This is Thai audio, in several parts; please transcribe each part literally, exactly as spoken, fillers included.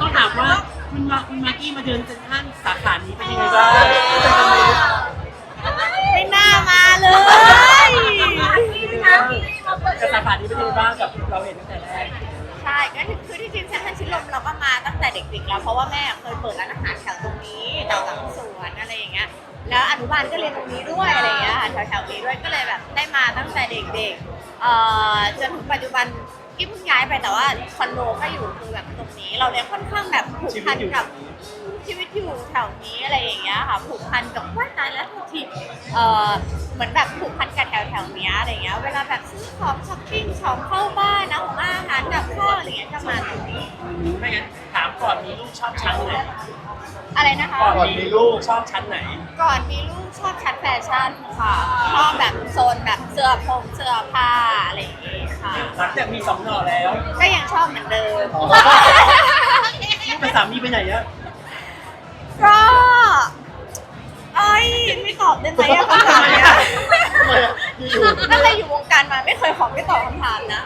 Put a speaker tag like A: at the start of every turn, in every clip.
A: ต้องถามว่าคุณมาคุณมากกี้มาเดินเซ็นทรัลสาขานี้เป็นยังไงบ้าง
B: ไม่น่ามาเลย
A: กับสาขานี้เป็นยังไงบ้างกับเราเห็นตั้งแต่แรก
B: ใช่ก็คือที่จริงเซ็นทรัลชิดลมเราก็มาตั้งแต่เด็กๆแล้วเพราะว่าแม่เคยเปิดร้านอาหารแถวตรงนี้แถวหลังสวนอะไรอย่างเงี้ยแล้วอนุบาลก็เรียนตรงนี้ด้วยอะไรอย่างเงี้ยแถวๆนี้ด้วยก็เลยแบบได้มาตั้งแต่เด็กๆเอ่อจนถึงปัจจุบันกิ๊บเพิ่งย้ายไปแต่ว่าคอนโดก็อยู่คือแบบตรงนี้เราเนี่ยค่อนข้างแบบผูกพันกับชีวิตอยู่แถวนี้อะไรอย่างเงี้ยค่ะผูกพันกับว่าตายแล้วทุกทีเอ่อเหมือนแบบผูกพันกับแถวแถวนี้อะไรเงี้ยเวลาแบบซื้อของช้อปปิ้งของเข้าบ้านนะของอาหารกับข้าวอะไรเงี้ยก็มาตรงนี้
A: ไม่งั้นถามก่อนมีลูกชอบชั้นไหน
B: อะไรนะคะ
A: ก่อนมีลูกชอบชั้นไหน
B: ก่อนมีลูกชอบชั้นแฟชั่นค่ะชอบแบบโซนแบบเสื้อผงเสื้อผ้าอะไรอย่างเงี้ยค่ะ
A: หลังจากมีสองหน่อแล้ว
B: ก็ยังชอบเหมือนเดิม
A: แต่สามีไปไหนอะ
B: ก็เอ้ยไม่ตอบได้ไหมอะคำถามเนี้ยตั้งแต่อยู่วงการมาไม่เคยขอไม่ตอบคำถามนะ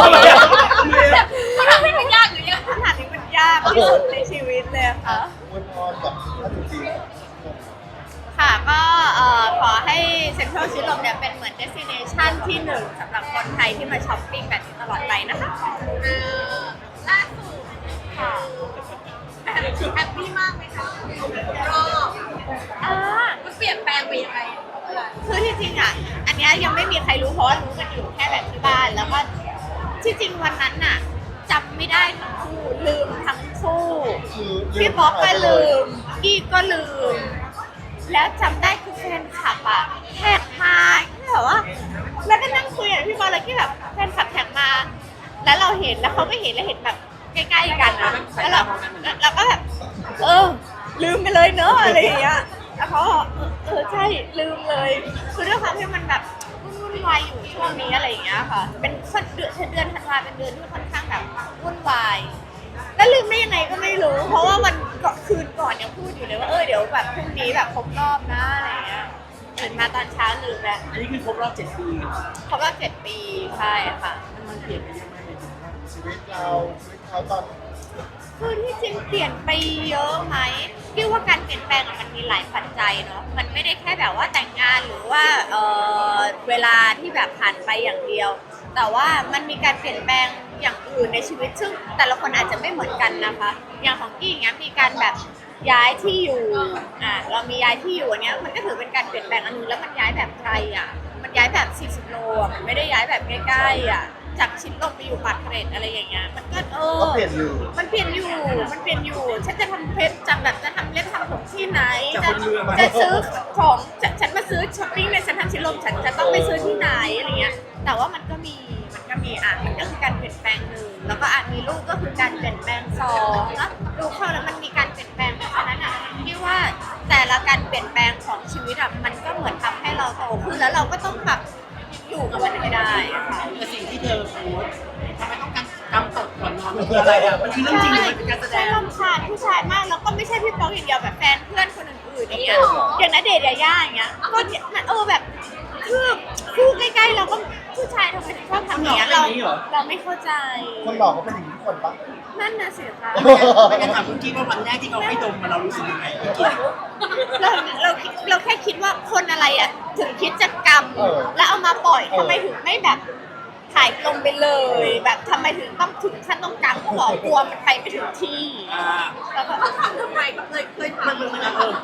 B: คำถามนี้มันยากหรือยังคำถามนี้มันยากที่สุดในชีวิตเลยค่ะ
C: อวยพรกับท่านจริง
B: ค่ะก็ขอให้เซ็นทรัลชิดลมเนี่ยเป็นเหมือนเดสติเนชันที่หนึ่งสำหรับคนไทยที่มาช้อปปิ้งแบบนี้ตลอดไปนะคะล่าสุดค่ะแฮปปี้มากไหมคะรอบอ่ามันเปลี่ยนแปลงไปยังไงคือที่จริงอ่ะอันนี้ยังไม่มีใครรู้เพราะว่ารู้กันอยู่แค่แบบที่บ้านแล้วก็ที่จริงวันนั้นน่ะจำไม่ได้ทั้งคู่ลืมทั้งคู่พี่ป๊อกก็ลืมกี้ก็ลืมแล้วจำได้คือแฟนคลับอ่ะแท็กมาแบบว่าแล้วก็นั่งคุยกับพี่บอลแล้วที่แบบแฟนคลับแท็กมาแล้วเราเห็นแล้วเขาก็เห็นแล้วเห็นแบบใกล้ๆกันนะแล้วเราเราก็แบบเออลืมไปเลยเนอะอะไรอย่างเงี้ยแล้วเขาเออใช่ลืมเลยคือด้วยความที่มันแบบวุ่นวายอยู่ช่วงนี้อะไรอย่างเงี้ยค่ะเป็นเดือนเดือนธันวาเป็นเดือนที่ค่อนข้างแบบวุ่นวายแล้วลืมได้ยังไงก็ไม่รู้เพราะว่ามันก็คืนก่อนยังพูดอยู่เลยว่าเออเดี๋ยวแบบพรุ่งนี้แบบครบรอบนะอะไรอย่างเงี้ยตื่นมาตอนเช้าลืมแล้ว
A: อันนี้คือครบรอบเจ็ดปี
B: ครบรอบเจ็ดปีใช่ค่ะ
A: มันเปลี่ยนไปเยอะมากเลย
C: ชีวิตเราชีวิตเขาตอน
B: คือที่จริงเปลี่ยนไปเยอะไหมพี่ว่าการเปลี่ยนแปลงมันมีหลายปัจจัยเนาะมันไม่ได้แค่แบบว่าแต่งงานหรือว่าเออเวลาที่แบบผ่านไปอย่างเดียวแต่ว่ามันมีการเปลี่ยนแปลงอย่างอื่นในชีวิตซึ่งแต่ละคนอาจจะไม่เหมือนกันนะคะอย่างของกี้อย่างเงี้ยมีการแบบย้ายที่อยู่อ่ะเรามีย้ายที่อยู่อันเนี้ยมันก็ถือเป็นการเปลี่ยนแปลงอันนึงแล้วมันย้ายแบบไกลอ่ะมันย้ายแบบสี่สิบโลอ่ะมันไม่ได้ย้ายแบบใกล้ๆอ่ะจากชิดลมไปอยู่ปากเกร็ดอะไรอย่างเงี้ยมันก็เออ
C: เปลี่ยนอยู่
B: มันเปลี่ยนอยู่มันเปลี่ยนอยู่ฉันจะทำเพชรจำแบบจะทำเล็บทำผมที่ไหนจะจะซื้อของฉันมาซื้อช้อปปิ้งในเซ็นทรัลชิดลมฉันจะต้องไปซื้อที่ไหนอะไรเงี้ยแต่ว่ามันก็มีมันก็มีอ่ะมันก็คือการเปลี่ยนแปลงหนึ่งแล้วก็อาจมีลูกก็คือการเปลี่ยนแปลงสองแล้วลูกเข้าแล้วมันมีการเปลี่ยนแปลงเพราะฉะนั้นอ่ะที่ว่าแต่ละการเปลี่ยนแปลงของชีวิตอ่ะมันก็เหมือนทำให้เราโตขึ้นแล้วเราก็ต้องปรับอยู่กับมันให้ได้ค่ะ
A: แต่สิ่งที่เธอโพสทำไมต้องการกำตดก่อนนอนมันคืออะไรอ่ะมันคือเรื่องจริงหรือมันเป็นการแสดง
B: ใช่รำคาญผู้ชายมากแล้วก็ไม่ใช่พี่ป๊อกอย่างเดียวแบบแฟนเพื่อนคนอื่นๆอย่างเงี้ยอย่างณเดชน์ยาย่าอย่างเงี้ยก็เออแบบคือคู่ใกล้ๆเราก็ผู้ชายทำไมถึงชอบทำอย่างเงี้ยเราเราไม่เข้าใจ
C: คนหลอกเขาเป็นอย่างนี้ทุกคนปะ
B: นั่นน่ะสิคะ
A: ไม่งั้นถามคุณกี้ว่าวันแรกที่เขาให้ดมมาเรารู้สึกยังไง
B: เราเราเราแค่คิดว่าคนอะไรอ่ะถึงคิดจะกรรมแล้วเอามาปล่อยทำไมถึงไม่แบบถ่ายลงไปเลยแบบทำไมถึงต้องถึงขั้นต้องกรรมก็บอกกลัวมันไปไม่ถึงที่แล้วก็
D: ทำทำไมก็เคยเคยถาม
A: มันมันมันเออ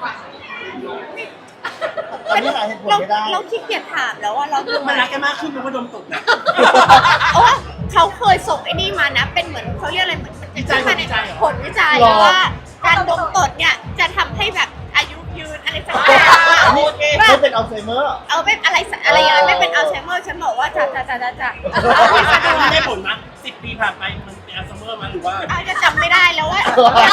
B: เราเราขี้เกียจถามแล้วว่าเราดู
A: มันรักกันมากขึ้นเพราะว่าดมตกนะ
B: โอ้เขาเคยส่งไอ้นี่มานะเป็นเหมือนเขาเรียกอะไรเหมือน
A: วิจัยผลวิจัย
B: ผลวิจัยว่าการดมตดเนี่ยจะทำให้แบบอายุยืนอะไรสักอย่าง
C: ไม่เป็นอัลไซเมอร์
B: เอาเป็นอะไรอะไรอย่างไม่เป็นอัลไซเมอร์ฉันบอกว่าจะจะจะจะจะ
A: มันได้ผลมั้ยสิบปีผ่านไปมันเป็นอัลไซเมอร์มั้ยหรือว่า
B: อาจจะจำไม่ได้แล้วว่า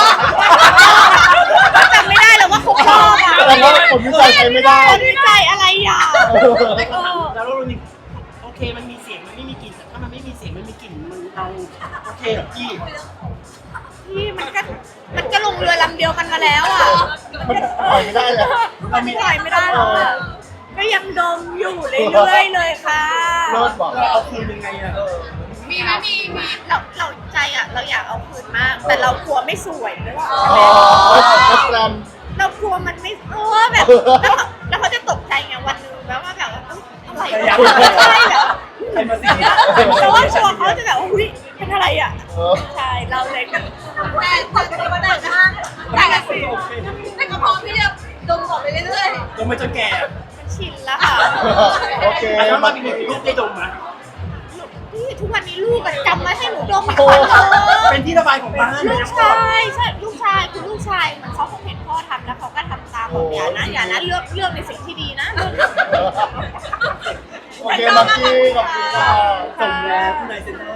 B: จำไม่ได้แล้วว่าครบรอบอ่ะ
C: แต่ว่าผลวิจัยใช้ไม่ได้
B: ผลวิจัยอะไรอ่ะ
A: แล้วเรานี่โอเคมันมีเสียงมันไม่มีกลิ่นแต่ถ้ามันไม่มีเสียงมันมีกลิ่นมันเราโอเคหรอพี่
B: พี่มันก็มันก็ลงเรือลำเดียวกันมาแล้วอ่ะ
C: มันปล่อยไม่ได้เลย
B: มันปล่อยไม่ได้แล้วอ่ะก็ยังดมอยู่เรื่อยๆเลยค่ะ
C: เลิศบอก
A: เราเอาคืนยังไงอ่ะ
D: มีไหมมีมี
B: เราเราใจอ่ะเราอยากเอาคืนมาก แต่เรากลัวไม่สวยด้วยว่า
C: อ๋อแล้วแกรม
B: เรากลัวมันไม่เออแบบแล้วเขาแล้วเขาจะตกใจไงวันหนึงแบบว่าแบบว่าเอ้ยอะไรวะใช่แบบ
A: ใครมาสี
B: แต่ว่ากลัวเขาจะแบบว่าอุ้ยเป็นอะไรอ่ะ
C: เออ
B: ใช่เราเลยแบบ
D: แต่แต่ตัวแต่งห้างแต่ละสีแต่ก็พร้อมที่จะดมต่อไปเรื่อย
A: ดมไปจนแก่
B: มันชินแล้วค่ะ
C: โอเค
A: แล้ว
C: มา
A: มาเป็นลูกได้ดมไหม
B: พี่ทุกวันนี้ลูกอะจำมาให้หนูดมทุก
C: โอ้
B: วันเลย
A: เป็นที่ระบายของบ้าน
B: ลูกชายใช่ลูกชายคือลูกชายเหมันเขาคงเห็นพ่อทำแล้วเขาก็ทำตามบอกอย่านะอย่านะเลือกเลือกในสิ่งที่ดีนะเลือก
C: โอเคมากกี้ขอบคุณค่ะ
A: ส่งแล้วคุณนายเซ็นเตอร์